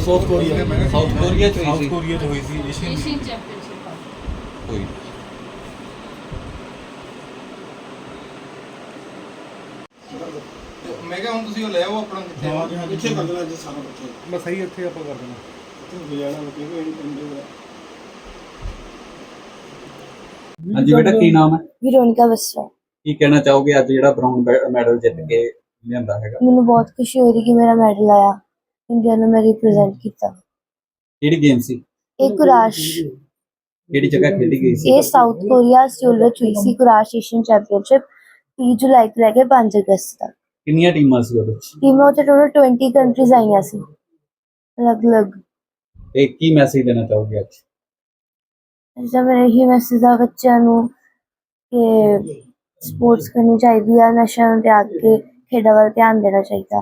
South Korea south Korea ਚ ਹੋਈ south ਸੀ Korea 'ਚ ਹੋਈ ਸੀ ਏਸ਼ੀਅਨ ਏਸ਼ੀਅਨ ਚੈਂਪੀਅਨਸ਼ਿਪ ਕੋਈ ਮੈਂ ਕਿਹਾ ਹੁਣ ਤੁਸੀਂ ਉਹ ਲੈ ਆਓ ਆਪਣਾ ਕਿੱਥੇ ਇੱਥੇ ਕਰ ਦੇਣਾ ਅੱਜ ਸਾਰਾ ਬੱਚੇ ਬਸ ਸਹੀ ਇੱਥੇ ਆਪਾਂ ਕਰ ਦੇਣਾ ਇੱਥੇ ਗੁਜ਼ਾਰਾ ਬੱਚੇ ਕੋਈ ਨਹੀਂ ਪਿੰਡ ਹਾਂਜੀ ਬੇਟਾ ਕੀ ਨਾਮ ਹੈ ਵਿਰੋਨਿਕਾ ਬਸਰਾ। ਕੀ ਕਹਿਣਾ ਚਾਹੋਗੇ ਅੱਜ ਜਿਹੜਾ ਬ੍ਰਾਊਨ ਮੈਡਲ ਜਿੱਤ ਕੇ ਲਿਆਂਦਾ ਹੈਗਾ ਮੈਨੂੰ ਬਹੁਤ ਖੁਸ਼ੀ ਹੋ ਰਹੀ ਕਿ ਮੇਰਾ ਮੈਡਲ ਆਇਆ, ਇੰਡੀਆ ਨੂੰ ਮੈਂ ਰਿਪਰੈਜ਼ੈਂਟ ਕੀਤਾ। ਕਿਹੜੀ ਗੇਮ ਸੀ ਇਹ ਕੁਰਾਸ਼, ਕਿਹੜੀ ਜਗ੍ਹਾ ਖੇਡੀ ਗਈ ਸੀ ਇਹ ਸਾਊਥ ਕੋਰੀਆ ਸਿਓਲ ਵਿੱਚ ਹੋਈ ਸੀ ਕੁਰਾਸ਼ ਏਸ਼ੀਅਨ ਚੈਂਪੀਅਨਸ਼ਿਪ 30 ਜੁਲਾਈ ਤੋਂ ਲੈ ਕੇ 5 ਅਗਸਤ ਤੱਕ। ਕਿੰਨੀਆਂ ਟੀਮਾਂ ਸੀ ਉਹਦੇ ਵਿੱਚ ਟੀਮਾਂ ਉੱਤੇ ਟੋਟਲ 20 ਕੰਟਰੀਜ਼ ਆਈਆਂ ਸੀ ਅਲੱਗ-ਅਲੱਗ। ਤੇ ਕੀ ਮੈਸੇਜ ਦੇਣਾ ਚਾਹੋਗੇ ਅੱਜ ਜਿਵੇਂ ਮੇਰੇ ਹੀ ਮੈਸੇਜ ਆ ਬੱਚਿਆਂ ਨੂੰ ਕਿ ਸਪੋਰਟਸ ਕਰਨੀ ਚਾਹੀਦੀ ਆ, ਨਸ਼ਿਆਂ ਨੂੰ ਤਿਆਗ ਕੇ ਖੇਡਾਂ ਵੱਲ ਧਿਆਨ ਦੇਣਾ ਚਾਹੀਦਾ।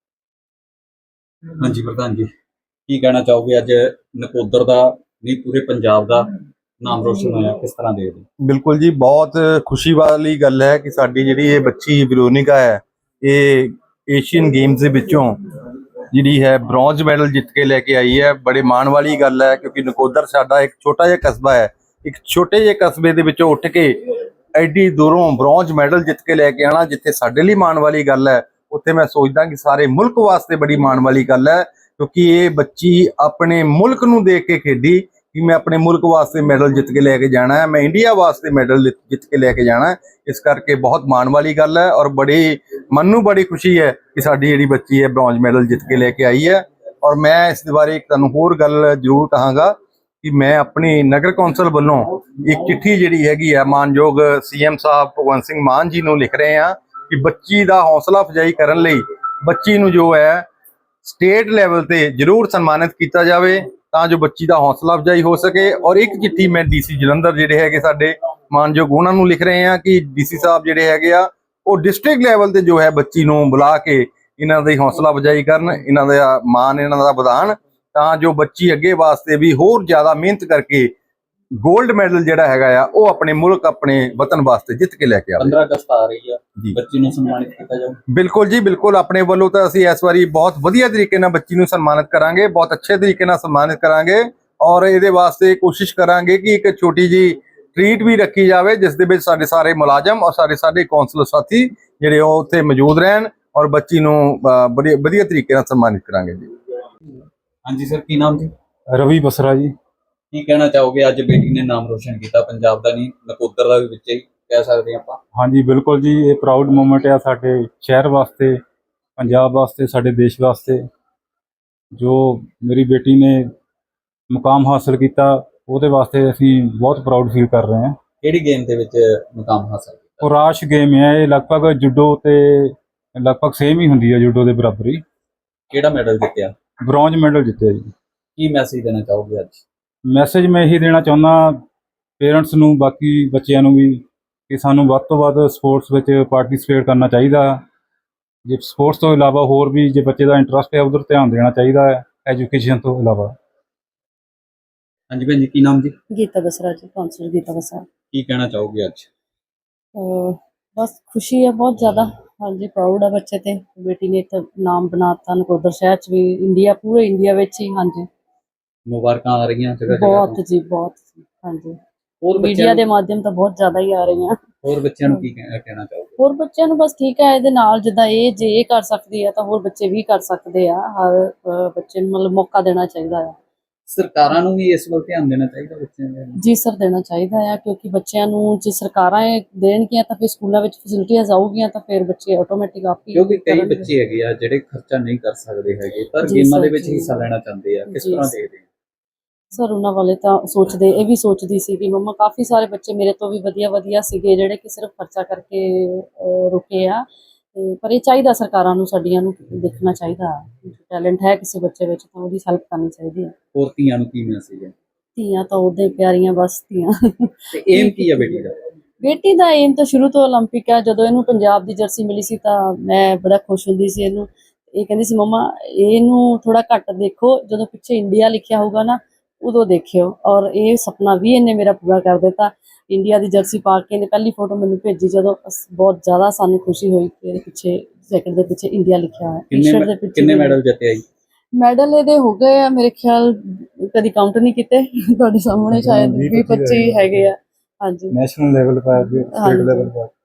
ਹਾਂਜੀ ਪ੍ਰਧਾਨ ਜੀ ਕੀ ਕਹਿਣਾ ਚਾਹੋਗੇ ਅੱਜ ਨਕੋਦਰ ਦਾ ਨਹੀਂ ਪੂਰੇ ਪੰਜਾਬ ਦਾ ਨਾਮ ਰੋਸ਼ਨ ਹੋਇਆ, ਕਿਸ ਤਰ੍ਹਾਂ ਦੇਖਦੇ ਹੋ? ਬਿਲਕੁਲ ਜੀ, ਬਹੁਤ ਖੁਸ਼ੀ ਵਾਲੀ ਗੱਲ ਹੈ ਕਿ ਸਾਡੀ ਜਿਹੜੀ ਇਹ ਬੱਚੀ ਵਿਰੋਨਿਕਾ ਹੈ ਇਹ ਏਸ਼ੀਅਨ ਗੇਮਸ ਦੇ ਵਿੱਚੋਂ ਜਿਹੜੀ ਹੈ ਬ੍ਰੌਂਜ਼ ਮੈਡਲ ਜਿੱਤ ਕੇ ਲੈ ਕੇ ਆਈ ਹੈ। ਬੜੇ ਮਾਣ ਵਾਲੀ ਗੱਲ ਹੈ ਕਿਉਂਕਿ ਨਕੋਦਰ ਸਾਡਾ ਇੱਕ ਛੋਟਾ ਜਿਹਾ ਕਸਬਾ ਹੈ। ਇੱਕ ਛੋਟੇ ਜਿਹੇ ਕਸਬੇ ਦੇ ਵਿੱਚੋਂ ਉੱਠ ਕੇ ਐਡੀ ਦੂਰੋਂ ਬ੍ਰੌਂਜ਼ ਮੈਡਲ ਜਿੱਤ ਕੇ ਲੈ ਕੇ ਆਣਾ, ਜਿੱਥੇ ਸਾਡੇ ਲਈ ਮਾਣ ਵਾਲੀ ਗੱਲ ਹੈ, ਉੱਥੇ ਮੈਂ ਸੋਚਦਾ ਕਿ ਸਾਰੇ ਮੁਲਕ ਵਾਸਤੇ ਬੜੀ ਮਾਣ ਵਾਲੀ ਗੱਲ ਹੈ ਕਿਉਂਕਿ ਇਹ ਬੱਚੀ ਆਪਣੇ ਮੁਲਕ ਨੂੰ ਦੇਖ ਕੇ ਖੇਡੀ ਕਿ ਮੈਂ ਆਪਣੇ ਮੁਲਕ ਵਾਸਤੇ ਮੈਡਲ ਜਿੱਤ ਕੇ ਲੈ ਕੇ ਜਾਣਾ ਹੈ, ਮੈਂ ਇੰਡੀਆ ਵਾਸਤੇ ਮੈਡਲ ਜਿੱਤ ਕੇ ਲੈ ਕੇ ਜਾਣਾ ਹੈ। ਇਸ ਕਰਕੇ ਬਹੁਤ ਮਾਣ ਵਾਲੀ ਗੱਲ ਹੈ ਔਰ ਬੜੀ ਮਨ ਨੂੰ ਬੜੀ ਖੁਸ਼ੀ ਹੈ ਕਿ ਸਾਡੀ ਜਿਹੜੀ ਬੱਚੀ ਹੈ ਬ੍ਰੌਂਜ਼ ਮੈਡਲ ਜਿੱਤ ਕੇ ਲੈ ਕੇ ਆਈ ਹੈ। ਔਰ ਮੈਂ ਇਸ ਦੇ ਬਾਰੇ ਇੱਕ ਤੁਹਾਨੂੰ ਹੋਰ ਗੱਲ ਜ਼ਰੂਰ ਕਹਾਂਗਾ ਕਿ ਮੈਂ ਆਪਣੀ ਨਗਰ ਕੌਂਸਲ ਵੱਲੋਂ ਇੱਕ ਚਿੱਠੀ ਜਿਹੜੀ ਹੈਗੀ ਹੈ ਮਾਨਯੋਗ ਸੀਐਮ ਸਾਹਿਬ ਭਗਵੰਤ ਸਿੰਘ ਮਾਨ ਜੀ ਨੂੰ ਲਿਖ ਰਹੇ ਹਾਂ ਕਿ ਬੱਚੀ ਦਾ ਹੌਸਲਾ ਅਫਜ਼ਾਈ ਕਰਨ ਲਈ ਬੱਚੀ ਨੂੰ ਜੋ ਹੈ ਸਟੇਟ ਲੈਵਲ ਤੇ ਜ਼ਰੂਰ ਸਨਮਾਨਿਤ ਕੀਤਾ ਜਾਵੇ ਤਾਂ ਜੋ ਬੱਚੀ ਦਾ ਹੌਸਲਾ ਅਫਜ਼ਾਈ ਹੋ ਸਕੇ। ਔਰ ਇੱਕ ਚਿੱਠੀ ਮੈਂ ਡੀਸੀ ਜਲੰਧਰ ਜਿਹੜੇ ਹੈਗੇ ਸਾਡੇ ਮਾਨਯੋਗ ਉਹਨਾਂ ਨੂੰ ਲਿਖ ਰਹੇ ਹਾਂ ਕਿ ਡੀਸੀ ਸਾਹਿਬ ਜਿਹੜੇ ਹੈਗੇ ਆ ਉਹ ਡਿਸਟ੍ਰਿਕਟ ਲੈਵਲ ਤੇ ਜੋ ਹੈ ਬੱਚੀ ਨੂੰ ਬੁਲਾ ਕੇ ਇਹਨਾਂ ਦੀ ਹੌਸਲਾ ਅਫਜ਼ਾਈ ਕਰਨ, ਇਹਨਾਂ ਦਾ ਮਾਣ ਇਹਨਾਂ ਦਾ ਵਧਾਉਣ ਤਾਂ ਜੋ ਬੱਚੀ ਅੱਗੇ ਵਾਸਤੇ ਵੀ ਹੋਰ ਜ਼ਿਆਦਾ ਮਿਹਨਤ ਕਰਕੇ ਗੋਲਡ ਮੈਡਲ ਜਿਹੜਾ ਹੈਗਾ ਆ ਉਹ ਆਪਣੇ ਮੁਲਕ ਆਪਣੇ ਵਤਨ ਵਾਸਤੇ ਜਿੱਤ ਕੇ ਲੈ ਕੇ ਆਵੇ। 15 ਅਗਸਤ ਆ ਰਹੀ ਆ, ਬੱਚੀ ਨੂੰ ਸਨਮਾਨਿਤ ਕੀਤਾ ਜਾਊ। ਬਿਲਕੁਲ ਜੀ ਬਿਲਕੁਲ, ਆਪਣੇ ਵੱਲੋਂ ਤਾਂ ਅਸੀਂ ਇਸ ਵਾਰੀ ਬਹੁਤ ਵਧੀਆ ਤਰੀਕੇ ਨਾਲ ਬੱਚੀ ਨੂੰ ਸਨਮਾਨਿਤ ਕਰਾਂਗੇ, ਬਹੁਤ ਅੱਛੇ ਤਰੀਕੇ ਨਾਲ ਸਨਮਾਨਿਤ ਕਰਾਂਗੇ ਔਰ ਇਹਦੇ ਵਾਸਤੇ ਕੋਸ਼ਿਸ਼ ਕਰਾਂਗੇ ਕਿ ਇੱਕ ਛੋਟੀ ਜੀ ਟ੍ਰੀਟ ਵੀ ਰੱਖੀ ਜਾਵੇ ਜਿਸ ਦੇ ਵਿੱਚ ਸਾਡੇ ਸਾਰੇ ਮੁਲਾਜ਼ਮ ਔਰ ਸਾਡੇ ਕੌਂਸਲਰ ਸਾਥੀ ਜਿਹੜੇ ਉਹ ਉੱਥੇ ਮੌਜੂਦ ਰਹਿਣ ਔਰ ਬੱਚੀ ਨੂੰ ਬੜੀ ਵਧੀਆ ਤਰੀਕੇ ਨਾਲ ਸਨਮਾਨਿਤ ਕਰਾਂਗੇ ਜੀ। ਹਾਂਜੀ ਸਰ ਕੀ ਨਾਮ ਜੀ? ਰਵੀ ਬਸਰਾ ਜੀ। ਕੀ ਕਹਿਣਾ ਚਾਹੋਗੇ ਅੱਜ ਬੇਟੀ ਨੇ ਨਾਮ ਰੋਸ਼ਨ ਕੀਤਾ ਪੰਜਾਬ ਦਾ ਨਹੀਂ ਨਕੋਦਰ ਦਾ ਵੀ ਵਿੱਚ ਹੀ ਕਹਿ ਸਕਦੇ ਆਪਾਂ? ਹਾਂਜੀ ਬਿਲਕੁਲ ਜੀ, ਇਹ ਪ੍ਰਾਊਡ ਮੂਮੈਂਟ ਆ ਸਾਡੇ ਸ਼ਹਿਰ ਵਾਸਤੇ, ਪੰਜਾਬ ਵਾਸਤੇ, ਸਾਡੇ ਦੇਸ਼ ਵਾਸਤੇ। ਜੋ ਮੇਰੀ ਬੇਟੀ ਨੇ ਮੁਕਾਮ ਹਾਸਲ ਕੀਤਾ ਉਹਦੇ ਵਾਸਤੇ ਅਸੀਂ ਬਹੁਤ ਪ੍ਰਾਊਡ ਫੀਲ ਕਰ ਰਹੇ ਹਾਂ। ਕਿਹੜੀ ਗੇਮ ਦੇ ਵਿੱਚ ਮੁਕਾਮ ਹਾਸਲ ਕੀਤਾ? ਕੁਰਾਸ਼ ਗੇਮ ਹੈ ਇਹ, ਲਗਭਗ ਜੂਡੋ ਤੇ ਲਗਭਗ ਸੇਮ ਹੀ ਹੁੰਦੀ ਹੈ, ਜੂਡੋ ਦੇ ਬਰਾਬਰ ਹੀ। ਕਿਹੜਾ ਮੈਡਲ ਜਿੱਤਿਆ? ਬ੍ਰੌਂਜ਼ ਮੈਡਲ ਜਿੱਤਿਆ ਜੀ। ਕੀ ਮੈਸੇਜ ਦੇਣਾ ਚਾਹੋਗੇ ਅੱਜ? ਮੈਸੇਜ ਮੈਂ ਇਹੀ ਦੇਣਾ ਚਾਹੁੰਦਾ ਪੇਰੈਂਟਸ ਨੂੰ, ਬਾਕੀ ਬੱਚਿਆਂ ਨੂੰ ਵੀ, ਕਿ ਸਾਨੂੰ ਵੱਧ ਤੋਂ ਵੱਧ ਸਪੋਰਟਸ ਵਿੱਚ ਪਾਰਟਿਸਿਪੇਟ ਕਰਨਾ ਚਾਹੀਦਾ। ਜੇ ਸਪੋਰਟਸ ਤੋਂ ਇਲਾਵਾ ਹੋਰ ਵੀ ਜੇ ਬੱਚੇ ਦਾ ਇੰਟਰਸਟ ਹੈ ਉਧਰ ਧਿਆਨ ਦੇਣਾ ਚਾਹੀਦਾ ਹੈ, ਐਜੂਕੇਸ਼ਨ ਤੋਂ ਇਲਾਵਾ। ਹਾਂਜੀ ਭੈਣ ਜੀ ਕੀ ਨਾਮ ਜੀ? ਗੀਤਾ ਬਸਰਾ ਜੀ, ਕੌਂਸਲਰ ਗੀਤਾ ਬਸਰਾ। ਕੀ ਕਹਿਣਾ ਚਾਹੋਗੇ ਅੱਜ? ਬਸ ਖੁਸ਼ੀ ਹੈ ਬਹੁਤ ਜ਼ਿਆਦਾ। ਹਾਂਜੀ ਪ੍ਰਾਊਡ ਹੈ ਬੱਚੇ ਤੇ, ਬੇਟੀ ਨੇ ਇੱਕ ਨਾਮ ਬਣਾਤਾ ਨਕੋਦਰ ਸ਼ਹਿਰ 'ਚ ਵੀ, ਇੰਡੀਆ ਪੂਰੇ ਇੰਡੀਆ ਵਿੱਚ ਹੀ। ਹਾਂਜੀ ਮੁਬਾਰਕਾਂ ਆ ਰਹੀਆਂ ਜਗ੍ਹਾ ਬਹੁਤ ਜੀ, ਬਹੁਤ। ਹਾਂਜੀ ਹੋਰ ਮੀਡੀਆ ਦੇ ਮਾਧਿਅਮ ਤਾਂ ਬਹੁਤ ਜ਼ਿਆਦਾ ਹੀ ਆ ਰਹੀਆਂ। ਹੋਰ ਬੱਚਿਆਂ ਨੂੰ ਕੀ ਕਹਿਣਾ ਚਾਹੋਗੇ? ਹੋਰ ਬੱਚਿਆਂ ਨੂੰ ਬਸ ਠੀਕ ਹੈ, ਇਹਦੇ ਨਾਲ ਜਿੱਦਾਂ ਇਹ ਜੇ ਇਹ ਕਰ ਸਕਦੀ ਹੈ ਤਾਂ ਹੋਰ ਬੱਚੇ ਵੀ ਕਰ ਸਕਦੇ ਆ। ਹਰ ਬੱਚੇ ਨੂੰ ਮਤਲਬ ਮੌਕਾ ਦੇਣਾ ਚਾਹੀਦਾ ਆ। ਸਰਕਾਰਾਂ ਨੂੰ ਵੀ ਇਸ ਵੱਲ ਧਿਆਨ ਦੇਣਾ ਚਾਹੀਦਾ ਬੱਚਿਆਂ ਦੇ? ਜੀ ਸਰ, ਦੇਣਾ ਚਾਹੀਦਾ ਆ ਕਿਉਂਕਿ ਬੱਚਿਆਂ ਨੂੰ ਜੇ ਸਰਕਾਰਾਂ ਇਹ ਦੇਣਗੀਆਂ ਤਾਂ ਫਿਰ ਸਕੂਲਾਂ ਵਿੱਚ ਫੈਸਿਲਿਟੀਆਂ ਆਊਗੀਆਂ ਤਾਂ ਫਿਰ ਬੱਚੇ ਆਟੋਮੈਟਿਕ ਆਪ ਹੀ ਕਿਉਂਕਿ ਕਈ ਬੱਚੇ ਹੈਗੇ ਆ ਜਿਹੜੇ ਖਰਚਾ ਨਹੀਂ ਕਰ ਸਕਦੇ ਹੈਗੇ ਪਰ ਗੇਮਾਂ ਦੇ ਵਿੱਚ ਹਿੱਸਾ ਲੈਣਾ ਚਾਹੁੰਦੇ ਆ, ਕਿਸ ਤਰ੍ਹਾਂ ਦੇਖਦੇ ਆ? ਸਰ ਉਹਨਾਂ ਵਾਲੇ ਤਾਂ ਸੋਚਦੇ, ਇਹ ਵੀ ਸੋਚਦੀ ਸੀ ਕਿ ਮੰਮਾ ਕਾਫੀ ਸਾਰੇ ਬੱਚੇ ਮੇਰੇ ਤੋਂ ਵੀ ਵਧੀਆ ਸੀਗੇ ਜਿਹੜੇ ਕਿ ਸਿਰਫ ਖਰਚਾ ਕਰਕੇ ਰੁਕੇ ਆ। ਪਰ ਇਹ ਚਾਹੀਦਾ ਸਰਕਾਰਾਂ ਨੂੰ, ਸਾਡੀਆਂ ਨੂੰ ਦੇਖਣਾ ਚਾਹੀਦਾ। ਟੈਲੈਂਟ ਹੈ ਕਿਸੇ ਬੱਚੇ ਵਿੱਚ ਤਾਂ ਉਹਦੀ ਹੈਲਪ ਕਰਨੀ ਚਾਹੀਦੀ ਹੈ। ਹੋਰ ਧੀਆਂ ਨੂੰ ਕੀ ਮੈਸੇਜ ਹੈ? ਧੀਆਂ ਤਾਂ ਉਹਦੇ ਪਿਆਰੀਆਂ, ਬਸ ਧੀਆਂ। ਤੇ ਏਮ ਕੀ ਹੈ ਬੇਟੀ ਦਾ? ਬੇਟੀ ਦਾ ਏਮ ਤਾਂ ਸ਼ੁਰੂ ਤੋਂ ਓਲੰਪਿਕ ਹੈ। ਜਦੋਂ ਇਹਨੂੰ ਪੰਜਾਬ ਦੀ ਜਰਸੀ ਮਿਲੀ ਸੀ ਤਾਂ ਮੈਂ ਬੜਾ ਖੁਸ਼ ਹੁੰਦੀ ਸੀ। ਇਹਨੂੰ ਇਹ ਕਹਿੰਦੀ ਸੀ ਮੰਮਾ ਇਹਨੂੰ ਥੋੜਾ ਘੱਟ ਦੇਖੋ, ਜਦੋਂ ਪਿੱਛੇ ਇੰਡੀਆ ਲਿਖਿਆ ਹੋਊਗਾ ਨਾ ਉਦੋਂ ਦੇਖਿਓ। ਔਰ ਇਹ ਸੁਪਨਾ ਵੀ ਇਹਨੇ ਮੇਰਾ ਪੂਰਾ ਕਰ ਦਿੱਤਾ। ਇੰਡੀਆ ਦੀ ਜਰਸੀ ਪਾ ਕੇ ਇਹਨੇ ਪਹਿਲੀ ਫੋਟੋ ਮੈਨੂੰ ਭੇਜੀ ਜਦੋਂ, ਬਹੁਤ ਜ਼ਿਆਦਾ ਸਾਨੂੰ ਖੁਸ਼ੀ ਹੋਈ ਕਿ ਇਹਦੇ ਪਿੱਛੇ ਜੈਕਟ ਦੇ ਪਿੱਛੇ ਇੰਡੀਆ ਲਿਖਿਆ ਹੋਇਆ। ਟੀ-ਸ਼ਰਟ ਦੇ ਪਿੱਛੇ ਕਿੰਨੇ ਮੈਡਲ ਜਿੱਤੇ ਆਈ? ਮੈਡਲ ਇਹਦੇ ਹੋ ਗਏ ਆ ਮੇਰੇ ਖਿਆਲ, ਕਦੀ ਕਾਊਂਟ ਨਹੀਂ ਕੀਤੇ, ਤੁਹਾਡੇ ਸਾਹਮਣੇ ਸ਼ਾਇਦ 20-25 ਹੈਗੇ ਆ। ਹਾਂਜੀ ਨੈਸ਼ਨਲ ਲੈਵਲ ਪਰ ਹਾਂਜੀ। ਸਟੇਟ ਲੈਵਲ ਪਰ